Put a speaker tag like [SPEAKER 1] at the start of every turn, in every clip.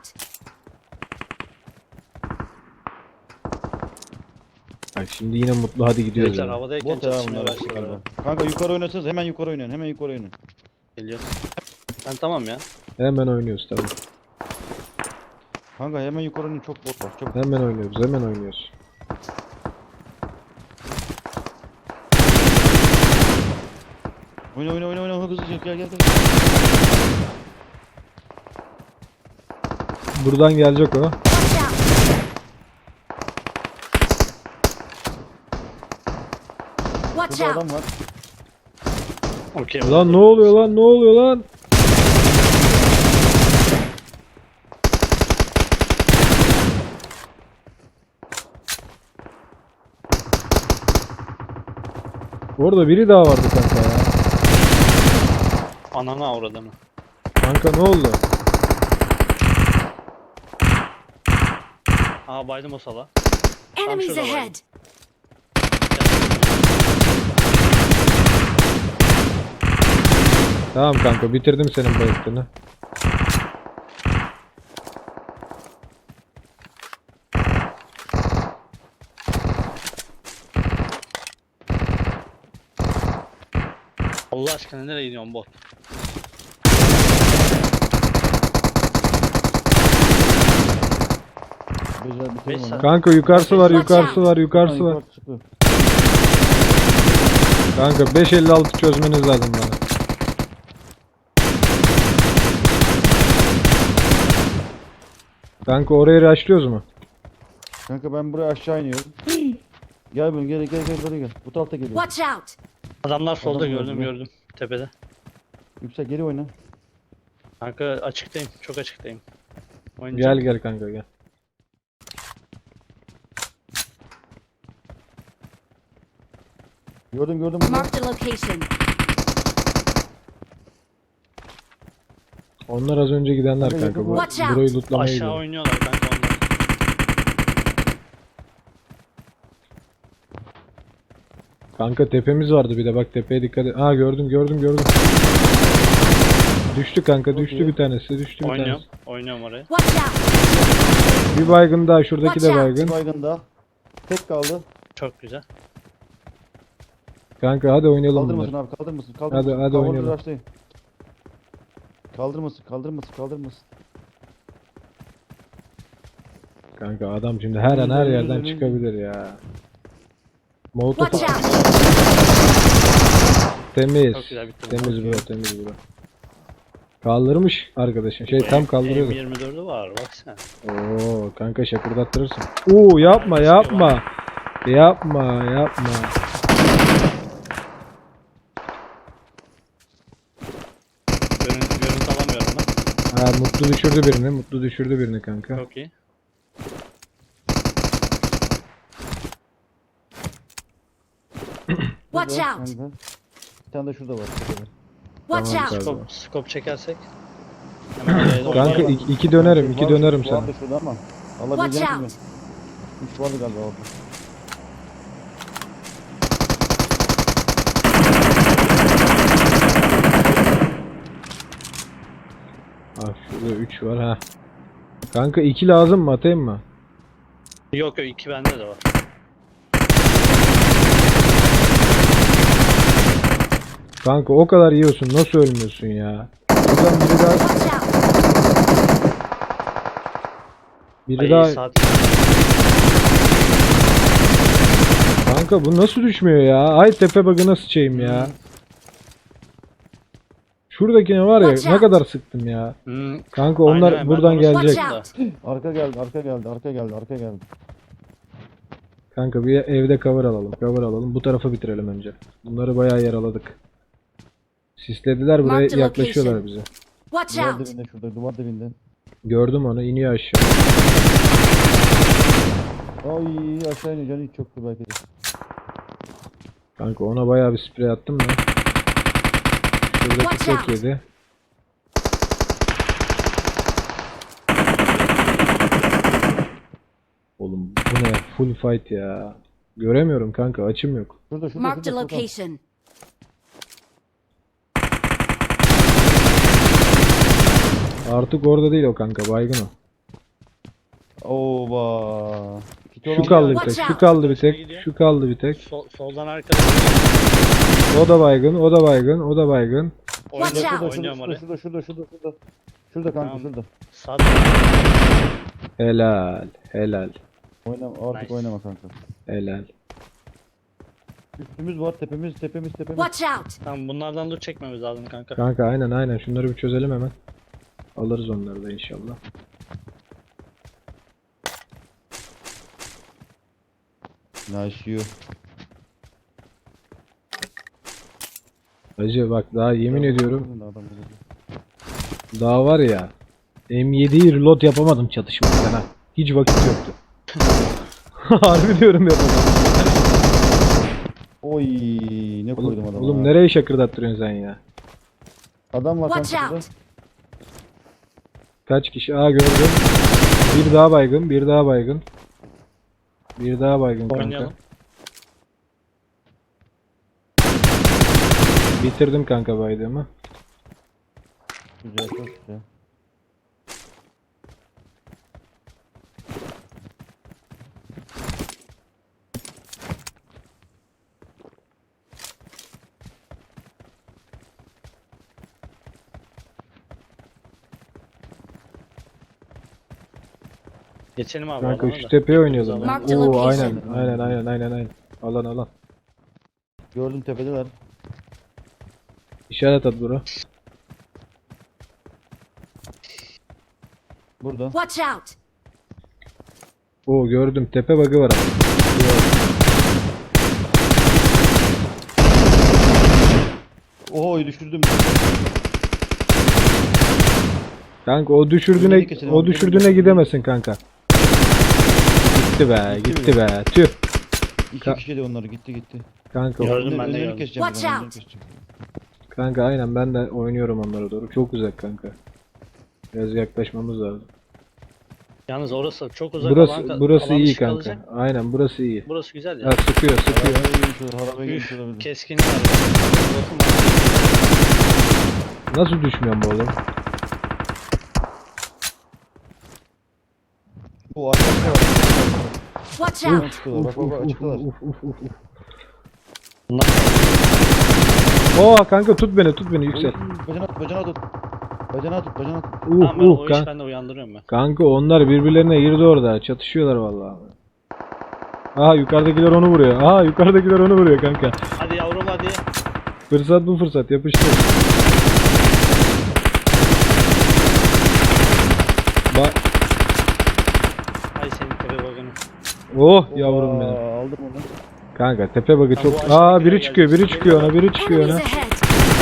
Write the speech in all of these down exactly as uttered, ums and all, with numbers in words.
[SPEAKER 1] Bak şimdi yine mutlu hadi gidiyoruz.
[SPEAKER 2] Gençler
[SPEAKER 1] Yani.
[SPEAKER 2] havadayken
[SPEAKER 3] Bot ya
[SPEAKER 2] çatışmaya
[SPEAKER 3] bunlar.
[SPEAKER 2] başladılar.
[SPEAKER 3] Kanka yukarı oynasanız hemen yukarı oynayın. Hemen yukarı oynayın.
[SPEAKER 2] Geliyor. Ben tamam ya.
[SPEAKER 1] Hemen oynuyoruz tabii.
[SPEAKER 3] Kanka hemen yukarı oynayın. Çok bot var. Çok.
[SPEAKER 1] Hemen oynuyoruz hemen oynuyoruz.
[SPEAKER 3] Oyna oyna oyna oyna hızlıca gel gel gel.
[SPEAKER 1] Buradan gelecek o.
[SPEAKER 4] Watch
[SPEAKER 3] Burada
[SPEAKER 4] out!
[SPEAKER 3] adam var.
[SPEAKER 2] Okey.
[SPEAKER 1] Lan ne oluyor lan ne oluyor lan? Orada biri daha vardı kanka ya.
[SPEAKER 2] Anana avradını.
[SPEAKER 1] Kanka ne oldu?
[SPEAKER 2] Aa baydım o sala.
[SPEAKER 4] Enemies
[SPEAKER 2] şurada var.
[SPEAKER 4] ahead!
[SPEAKER 1] Tamam kanka bitirdim senin bayıktığını.
[SPEAKER 2] Allah aşkına nereye gidiyorsun bot?
[SPEAKER 3] Güzel
[SPEAKER 2] Beş
[SPEAKER 3] bitirin onu.
[SPEAKER 2] saat.
[SPEAKER 1] Kanka yukarısı var yukarısı var yukarısı
[SPEAKER 3] Yukarı
[SPEAKER 1] var.
[SPEAKER 3] çıkıyor.
[SPEAKER 1] Kanka beş elli altı çözmeniz lazım bana. Kanka orayı rushlıyoruz mu?
[SPEAKER 3] Kanka ben buraya aşağı iniyorum. Gel bunu gel gel gel buraya gel. Bu tarafta geliyor.
[SPEAKER 4] Watch out!
[SPEAKER 2] Adamlar solda
[SPEAKER 3] Adam
[SPEAKER 2] gördüm
[SPEAKER 3] gördüm.
[SPEAKER 2] gördüm. Tepede.
[SPEAKER 3] Yüksel geri oyna.
[SPEAKER 2] Kanka açıktayım. Çok açıktayım.
[SPEAKER 1] Gel
[SPEAKER 2] Oynayacağım.
[SPEAKER 1] gel kanka gel.
[SPEAKER 3] Gördüm gördüm bunu.
[SPEAKER 4] Marked a location.
[SPEAKER 1] Onlar az önce gidenler
[SPEAKER 3] Hadi
[SPEAKER 1] kanka. Bu,
[SPEAKER 4] Watch out.
[SPEAKER 1] burayı lootlamaya
[SPEAKER 2] Aşağı
[SPEAKER 1] gidiyor.
[SPEAKER 2] oynuyorlar kanka onlar.
[SPEAKER 1] Kanka tepemiz vardı bir de bak tepeye dikkat et. Aa gördüm gördüm gördüm. Düştü kanka düştü
[SPEAKER 3] iyi.
[SPEAKER 1] bir tanesi düştü bir
[SPEAKER 2] Oynuyorum.
[SPEAKER 1] tanesi.
[SPEAKER 2] Oynuyorum oraya.
[SPEAKER 4] Watch out!
[SPEAKER 1] Bir baygın daha şuradaki de
[SPEAKER 4] Watch out.
[SPEAKER 1] baygın.
[SPEAKER 3] Bir baygın daha. Tek kaldı.
[SPEAKER 2] Çok güzel.
[SPEAKER 1] Kanka hadi oynayalım
[SPEAKER 3] Kaldırmasın
[SPEAKER 1] bunları.
[SPEAKER 3] abi kaldırmasın. Kaldırmasın.
[SPEAKER 1] Hadi, hadi
[SPEAKER 3] Cover'ı
[SPEAKER 1] oynayalım.
[SPEAKER 3] rushlayın. Kaldırmasın kaldırmasın kaldırmasın.
[SPEAKER 1] Kanka adam şimdi her an her yerden çıkabilir ya. Molotof
[SPEAKER 4] Watch out!
[SPEAKER 1] temiz.
[SPEAKER 2] Çok güzel bitti.
[SPEAKER 1] Temiz bura temiz bura. Kaldırmış arkadaşın. Şey tam kaldırıyordu.
[SPEAKER 2] M yirmi dördü var bak sen.
[SPEAKER 1] Oo kanka şakırdattırırsın. Oo yapma yapma. Yapma yapma.
[SPEAKER 2] Görüntü, görüntü alamıyorum ben.
[SPEAKER 1] Ha mutlu düşürdü birini. Mutlu düşürdü birini kanka.
[SPEAKER 2] Çok iyi.
[SPEAKER 4] Watch
[SPEAKER 3] Şurada,
[SPEAKER 4] out!
[SPEAKER 3] kanka. Bir tane de şurada var. şurada var.
[SPEAKER 4] Watch
[SPEAKER 1] Tamam,
[SPEAKER 4] out!
[SPEAKER 1] kanka.
[SPEAKER 2] Skop, skop çekersek. Hemen oraya doğru.
[SPEAKER 1] Kanka
[SPEAKER 3] Var,
[SPEAKER 1] iki, iki dönerim iki
[SPEAKER 3] var,
[SPEAKER 1] dönerim
[SPEAKER 3] var
[SPEAKER 1] sana.
[SPEAKER 3] da şurada ama.
[SPEAKER 4] Watch
[SPEAKER 3] Alabileceğim mi?
[SPEAKER 4] out!
[SPEAKER 3] Üç vardı galiba orada.
[SPEAKER 1] Ha şurada üç var ha. Kanka iki lazım mı atayım mı?
[SPEAKER 2] Yok yok iki bende de var.
[SPEAKER 1] Kanka o kadar yiyorsun nasıl ölmüyorsun ya? Buradan biri daha
[SPEAKER 4] Watch out!
[SPEAKER 1] biri
[SPEAKER 2] Ay
[SPEAKER 1] daha
[SPEAKER 2] saat.
[SPEAKER 1] kanka bu nasıl düşmüyor ya? Ay tepe bug'ına sıçayım ya. Şuradakine var ya
[SPEAKER 4] Watch
[SPEAKER 1] ne
[SPEAKER 4] out.
[SPEAKER 1] kadar sıktım ya.
[SPEAKER 2] Hmm.
[SPEAKER 1] Kanka onlar
[SPEAKER 2] Aynen, ben
[SPEAKER 1] buradan
[SPEAKER 2] onu
[SPEAKER 1] gelecek.
[SPEAKER 4] Watch out!
[SPEAKER 3] Arka geldi, arka geldi, arka geldi, arka geldi.
[SPEAKER 1] Kanka bir evde cover alalım. Cover alalım. Bu tarafa bitirelim önce. Bunları bayağı yaraladık. Sislediler buraya
[SPEAKER 4] Marked
[SPEAKER 1] yaklaşıyorlar
[SPEAKER 4] location.
[SPEAKER 1] bize.
[SPEAKER 4] Watch
[SPEAKER 3] Duvar
[SPEAKER 4] out!
[SPEAKER 3] dibinde şurada, duvar dibinde.
[SPEAKER 1] Gördüm onu iniyor aşağı.
[SPEAKER 3] Ay aşağı iniyor, canı hiç yoktu belki de.
[SPEAKER 1] Kanka ona bayağı bir sprey attım da. Şuradaki
[SPEAKER 4] Watch
[SPEAKER 1] tek
[SPEAKER 4] out.
[SPEAKER 1] yedi. Oğlum bu ne? Full fight ya. Göremiyorum kanka açım yok.
[SPEAKER 3] Şurada, şurada,
[SPEAKER 4] Marked a
[SPEAKER 3] şurada. şurada.
[SPEAKER 4] location.
[SPEAKER 1] Artık orada değil o kanka baygın o.
[SPEAKER 3] Oba. Kiti
[SPEAKER 1] Şu
[SPEAKER 3] olan
[SPEAKER 1] kaldı bir
[SPEAKER 4] Watch
[SPEAKER 1] tek. Şu
[SPEAKER 4] out.
[SPEAKER 1] kaldı bir tek. Şu kaldı bir tek.
[SPEAKER 2] Sol, soldan arkada.
[SPEAKER 1] O da baygın. O da baygın. O da baygın.
[SPEAKER 4] Watch
[SPEAKER 2] Oynuyorum,
[SPEAKER 4] out.
[SPEAKER 2] oynuyorum
[SPEAKER 3] Şurada
[SPEAKER 2] oraya.
[SPEAKER 3] şurada şurada şurada şurada. Şurada kanka
[SPEAKER 2] Tamam.
[SPEAKER 3] şurada.
[SPEAKER 2] Sağ
[SPEAKER 1] Helal. Helal.
[SPEAKER 3] Oynama artık
[SPEAKER 2] Nice.
[SPEAKER 3] oynama kanka.
[SPEAKER 1] Helal.
[SPEAKER 3] Üstümüz var tepemiz tepemiz tepemiz.
[SPEAKER 4] Watch out!
[SPEAKER 2] Tamam, bunlardan loot çekmemiz lazım kanka.
[SPEAKER 1] Kanka aynen aynen. Şunları bir çözelim hemen. Alırız onları da inşallah.
[SPEAKER 3] Nice you.
[SPEAKER 1] Hacı bak daha yemin ediyorum.
[SPEAKER 3] Adam burada.
[SPEAKER 1] Daha var ya. M yediyi reload yapamadım çatışmadan ha. Hiç vakit yoktu. Harbi diyorum yapamadım.
[SPEAKER 3] Oy ne koydum
[SPEAKER 1] Oğlum,
[SPEAKER 3] adama.
[SPEAKER 1] oğlum
[SPEAKER 3] ha.
[SPEAKER 1] nereye şakırdattırıyorsun sen ya?
[SPEAKER 3] Adam var
[SPEAKER 4] Watch
[SPEAKER 3] kanka burada.
[SPEAKER 4] out!
[SPEAKER 1] Kaç kişi? Aa gördüm. Bir daha baygın, bir daha baygın. Bir daha baygın kanka.
[SPEAKER 2] Oynayalım.
[SPEAKER 1] Bitirdim kanka baydığımı.
[SPEAKER 3] Güzel çok güzel.
[SPEAKER 2] Geçelim abi.
[SPEAKER 1] Kanka
[SPEAKER 2] alana
[SPEAKER 1] şu
[SPEAKER 2] da.
[SPEAKER 1] tepeye oynayalım.
[SPEAKER 2] Mark
[SPEAKER 4] the
[SPEAKER 1] Oo
[SPEAKER 4] location.
[SPEAKER 1] aynen aynen aynen aynen aynen. Alan alan.
[SPEAKER 3] Gördüm tepedeler.
[SPEAKER 1] İşaret at bura.
[SPEAKER 3] Burada.
[SPEAKER 4] Watch out!
[SPEAKER 1] Oo gördüm tepe bug'ı var abi.
[SPEAKER 3] Oy düşürdüm.
[SPEAKER 1] Kanka o düşürdüğüne
[SPEAKER 3] Önüne geçelim
[SPEAKER 1] o
[SPEAKER 3] abi,
[SPEAKER 1] düşürdüğüne
[SPEAKER 3] önüne
[SPEAKER 1] gidemesin kanka. Gitti be,
[SPEAKER 3] Gitti
[SPEAKER 1] gitti be. Tüh.
[SPEAKER 3] İki
[SPEAKER 1] Ka-
[SPEAKER 3] kişi de onları gitti gitti.
[SPEAKER 1] Kanka
[SPEAKER 2] Gördüm
[SPEAKER 3] Önlerini-
[SPEAKER 2] ben de
[SPEAKER 3] önlerini
[SPEAKER 2] gördüm.
[SPEAKER 3] keseceğim
[SPEAKER 4] Watch
[SPEAKER 3] ben, önlerini
[SPEAKER 4] out.
[SPEAKER 3] keseceğim.
[SPEAKER 1] kanka aynen ben de oynuyorum onlara doğru. Çok uzak kanka. Biraz yaklaşmamız lazım.
[SPEAKER 2] Yalnız orası çok uzak.
[SPEAKER 1] Burası
[SPEAKER 2] alan-
[SPEAKER 1] burası
[SPEAKER 2] alan
[SPEAKER 1] iyi
[SPEAKER 2] dışı
[SPEAKER 1] kanka.
[SPEAKER 2] kalacak.
[SPEAKER 1] Aynen burası iyi.
[SPEAKER 2] Burası güzel ya.
[SPEAKER 1] Ha sıkıyor sıkıyor.
[SPEAKER 3] Harabeye girmiş olur, harabeye girmiş
[SPEAKER 2] Üf,
[SPEAKER 3] olabilir.
[SPEAKER 2] keskin var. Botum var.
[SPEAKER 1] Nasıl düşmüyorum bu oğlum?
[SPEAKER 3] Bu arkadaşlar var.
[SPEAKER 4] Watch
[SPEAKER 3] Buradan
[SPEAKER 4] out!
[SPEAKER 3] çıkıyorlar. Bak bak bak açıklar.
[SPEAKER 1] Uf, uf, uf, uf.
[SPEAKER 2] Bunlar
[SPEAKER 1] Oo kanka tut beni tut beni yüksel.
[SPEAKER 3] Bacana tut, bacana tut. Bacana tut, bacana tut.
[SPEAKER 1] Uh
[SPEAKER 2] tamam, ben
[SPEAKER 1] uh
[SPEAKER 2] o
[SPEAKER 1] kan-
[SPEAKER 2] işi ben de uyandırıyorum ben.
[SPEAKER 1] kanka onlar birbirlerine girdi orada. Çatışıyorlar vallahi. Aha yukarıdakiler onu vuruyor. Aha yukarıdakiler onu vuruyor kanka.
[SPEAKER 2] Hadi yavrum hadi.
[SPEAKER 1] Fırsat bu fırsat yapıştır. Bak.
[SPEAKER 2] Ay senin tepe bakını.
[SPEAKER 1] Oh yavrum benim.
[SPEAKER 3] Aa, aldım onu.
[SPEAKER 1] Kanka tepe bakı
[SPEAKER 2] Ha,
[SPEAKER 1] çok.
[SPEAKER 2] bu
[SPEAKER 1] Aa
[SPEAKER 2] aşağıdakilere
[SPEAKER 1] biri çıkıyor, biri
[SPEAKER 2] gelecek.
[SPEAKER 1] çıkıyor ona, biri çıkıyor
[SPEAKER 4] Enemies
[SPEAKER 1] ona.
[SPEAKER 4] ahead!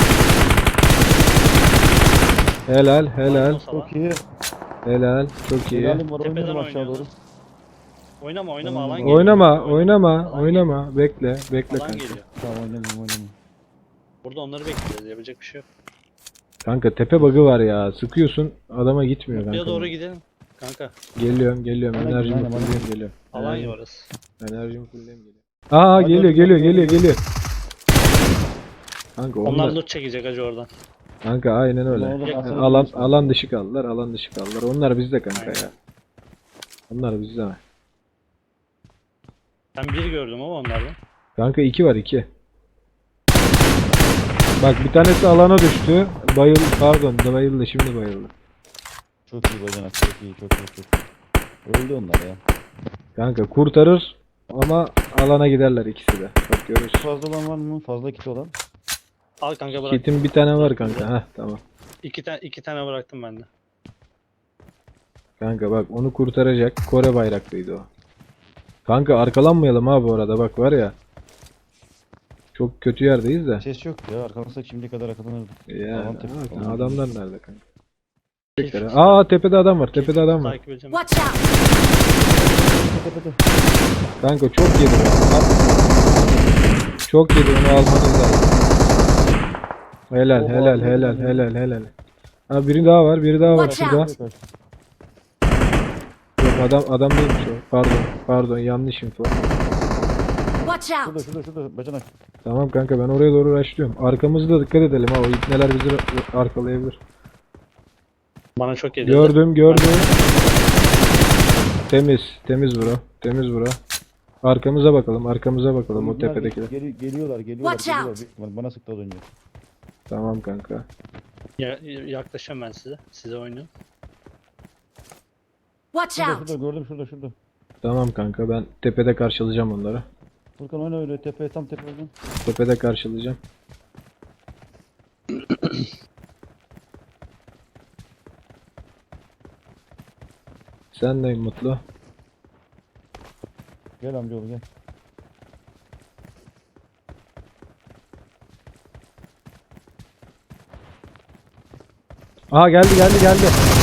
[SPEAKER 1] Helal, helal,
[SPEAKER 2] Olmaz alan.
[SPEAKER 3] Çok iyi.
[SPEAKER 1] helal. Çok iyi.
[SPEAKER 3] Helalim var,
[SPEAKER 2] Tepeden
[SPEAKER 3] oynuyorum aşağı doğru.
[SPEAKER 2] oynuyoruz. Oynama oynama
[SPEAKER 3] Tamam.
[SPEAKER 2] alan geliyor.
[SPEAKER 1] Oynama, oynama,
[SPEAKER 2] Alan
[SPEAKER 1] oynama. Bekle, bekle
[SPEAKER 2] geliyor. Alan
[SPEAKER 1] kanka.
[SPEAKER 2] geliyor.
[SPEAKER 3] Tamam oynamayayım oynamayayım.
[SPEAKER 2] Burada onları bekleyeceğiz. Yapacak bir şey yok.
[SPEAKER 1] Kanka tepe bug'ı var ya. Sıkıyorsun, adama gitmiyor
[SPEAKER 2] Buraya
[SPEAKER 1] kanka.
[SPEAKER 2] doğru gidelim. Kanka.
[SPEAKER 1] Geliyorum, geliyorum.
[SPEAKER 3] Bana
[SPEAKER 1] Enerjimi
[SPEAKER 3] gel, bana
[SPEAKER 1] fulleyim geliyorum.
[SPEAKER 2] Alan ya
[SPEAKER 1] Enerjimi,
[SPEAKER 2] orası.
[SPEAKER 1] enerjimi fulleyim geliyorum. Aa
[SPEAKER 3] Hadi,
[SPEAKER 1] geliyor,
[SPEAKER 3] hadi,
[SPEAKER 1] geliyor,
[SPEAKER 3] hadi,
[SPEAKER 1] geliyor,
[SPEAKER 3] hadi.
[SPEAKER 1] geliyor. Kanka
[SPEAKER 2] Onlar
[SPEAKER 1] onlar,
[SPEAKER 2] loot çekecek acı oradan.
[SPEAKER 1] kanka aynen öyle.
[SPEAKER 3] Oğlum,
[SPEAKER 1] Yani
[SPEAKER 3] aslında
[SPEAKER 1] alan
[SPEAKER 3] bilmiyorsun.
[SPEAKER 1] alan dışı kaldılar, alan dışı kaldılar. Onlar bizde kanka
[SPEAKER 2] Aynen.
[SPEAKER 1] ya. Onlar bizde mi?
[SPEAKER 2] Ben bir gördüm ama onlardan.
[SPEAKER 1] Kanka iki var iki. Bak bir tanesi alana düştü. Bayıl pardon da bayıldı şimdi bayıldı.
[SPEAKER 3] Çok iyi bacanak, çok iyi, çok iyi, çok iyi. Öldü onlar ya.
[SPEAKER 1] Kanka kurtarır ama alana giderler ikisi de. Bak görürsün.
[SPEAKER 3] Fazla olan var mı? Fazla kit olan.
[SPEAKER 2] Al kanka bırak.
[SPEAKER 1] Kitin bir tane var kanka. Heh tamam.
[SPEAKER 2] İki, tane iki tane bıraktım ben de.
[SPEAKER 1] Kanka bak onu kurtaracak. Kore bayraklıydı o. Kanka arkalanmayalım ha bu arada bak var ya. Çok kötü yerdeyiz de.
[SPEAKER 3] Ses yok ya. Arkamızda şimdiye kadar arkalanırdı.
[SPEAKER 1] Ya
[SPEAKER 3] Alan tepe-
[SPEAKER 1] zaten
[SPEAKER 3] alan
[SPEAKER 1] adamlar nerede kanka?
[SPEAKER 2] Hiç-
[SPEAKER 1] Aa tepede adam var. Tepede adam var.
[SPEAKER 2] Takip edeceğim.
[SPEAKER 4] Watch out!
[SPEAKER 3] Tepede.
[SPEAKER 1] Kanka çok yedi. Al. Çok yedi onu almanız lazım. Helal
[SPEAKER 3] Oha,
[SPEAKER 1] helal
[SPEAKER 3] helal,
[SPEAKER 1] helal
[SPEAKER 3] helal.
[SPEAKER 1] helal helal. Ha biri daha var, biri daha var
[SPEAKER 4] Watch
[SPEAKER 1] şurada.
[SPEAKER 4] out.
[SPEAKER 1] Yok adam adam değilmiş o. Pardon pardon yanlış info.
[SPEAKER 4] Watch
[SPEAKER 3] Şurada
[SPEAKER 4] out!
[SPEAKER 3] şurada şurada bacanak.
[SPEAKER 1] Tamam kanka ben oraya doğru rushlıyorum. Arkamızı da dikkat edelim ha o ipneler bizi ra- arkalayabilir.
[SPEAKER 2] Bana çok geliyor.
[SPEAKER 1] Gördüm gördüm. Temiz. Temiz bura. Temiz bura. Arkamıza bakalım. Arkamıza bakalım o
[SPEAKER 3] Bunlar
[SPEAKER 1] tepedekiler.
[SPEAKER 3] gel- geliyorlar, geliyorlar,
[SPEAKER 4] Watch
[SPEAKER 3] geliyorlar.
[SPEAKER 4] out.
[SPEAKER 3] Büyük ihtimal Bana sıktı az önce.
[SPEAKER 1] Tamam kanka.
[SPEAKER 2] Ya, yaklaşıyorum ben size. Size oynuyorum.
[SPEAKER 4] Watch
[SPEAKER 3] Şurada,
[SPEAKER 4] out!
[SPEAKER 3] şurada gördüm, şurada, şurada.
[SPEAKER 1] Tamam kanka ben tepede karşılayacağım onları.
[SPEAKER 3] Furkan oyna öyle tepeye, tam tepeden.
[SPEAKER 1] Tepede karşılayacağım. Sen de Mutlu.
[SPEAKER 3] Gel amcaoğlu gel.
[SPEAKER 1] Aa geldi geldi geldi.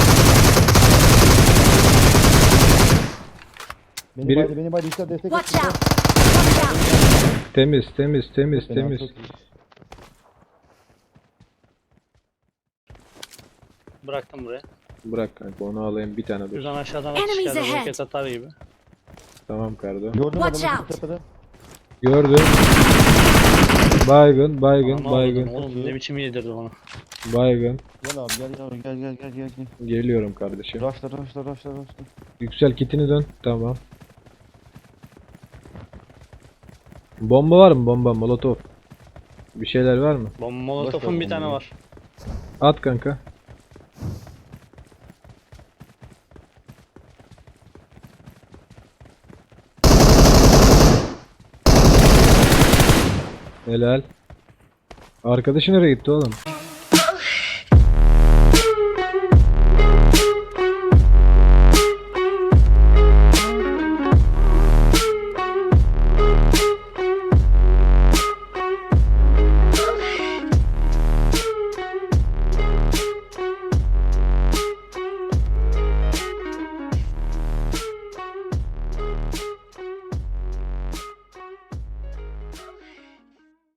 [SPEAKER 3] Beni
[SPEAKER 1] Biri-
[SPEAKER 3] baydı, beni baydı. İşte destek
[SPEAKER 4] Watch
[SPEAKER 3] et,
[SPEAKER 4] out!
[SPEAKER 3] İşte.
[SPEAKER 4] Watch out!
[SPEAKER 1] Temiz temiz temiz
[SPEAKER 3] Çok fena,
[SPEAKER 1] temiz.
[SPEAKER 3] çok iyi.
[SPEAKER 2] Bıraktım buraya.
[SPEAKER 1] Bırak kanka onu alayım bir tane dur.
[SPEAKER 2] Şuradan aşağıdan
[SPEAKER 4] Enemies
[SPEAKER 2] atış geldi.
[SPEAKER 4] ahead.
[SPEAKER 2] Roket atar gibi.
[SPEAKER 1] Tamam kardo.
[SPEAKER 3] Gördüm
[SPEAKER 4] Watch
[SPEAKER 3] adamı
[SPEAKER 4] out.
[SPEAKER 3] tepede.
[SPEAKER 1] Gördüm. Baygın baygın
[SPEAKER 2] Aman
[SPEAKER 1] baygın.
[SPEAKER 2] Allah'ım, oğlum ne biçim yedirdi onu.
[SPEAKER 1] Baygın.
[SPEAKER 3] Gel abi gel yavrum gel gel gel gel. gel.
[SPEAKER 1] Geliyorum kardeşim.
[SPEAKER 3] Raşla raşla raşla raşla.
[SPEAKER 1] Yüksel kitini dön. Tamam. Bomba var mı? Bomba, molotof. Bir şeyler var mı?
[SPEAKER 2] Bomba molotofun
[SPEAKER 3] ver
[SPEAKER 2] bir tane
[SPEAKER 3] bombayı.
[SPEAKER 2] var.
[SPEAKER 1] At kanka. Helal. Arkadaşı nereye gitti oğlum?